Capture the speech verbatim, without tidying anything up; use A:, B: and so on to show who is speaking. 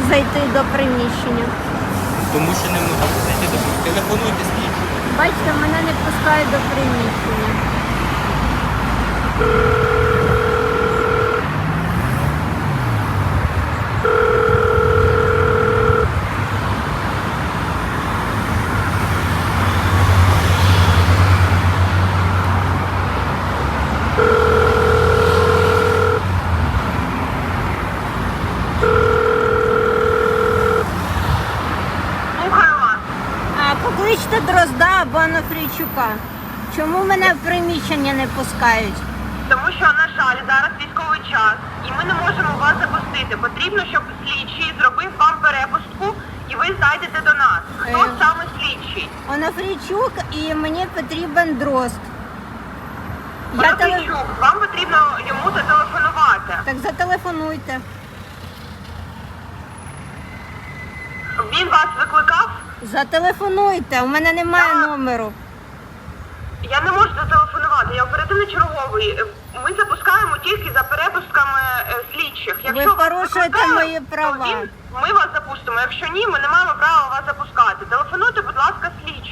A: зайти до приміщення?
B: Тому що не можу зайти до телефонуйте слідчу.
A: Бачите, мене не пускають до приміщення.
C: Слухаю вас.
A: А покличте Дрозда або Анафрійчука. Чому мене в приміщення не пускають?
C: Тому що, на жаль, зараз військовий час, і ми не можемо вас запустити. Потрібно, щоб слідчий зробив вам перепустку, і ви зайдете до нас. Хто
A: Е.
C: саме слідчий?
A: Анафрійчук і мені потрібен Дрозд. Я теле...
C: Панасичук, вам потрібно йому зателефонувати.
A: Так зателефонуйте.
C: Він вас викликав?
A: Зателефонуйте, у мене немає
C: Так.
A: номеру.
C: Я не можу зателефонувати, я оперативний черговий. Ми запускаємо тільки за перепустками е, слідчих. Якщо вас
A: порушуєте
C: викликають,
A: мої
C: то
A: права.
C: він- ми вас запустимо. Якщо ні, ми не маємо права вас запускати. Телефонуйте, будь ласка, слідчим.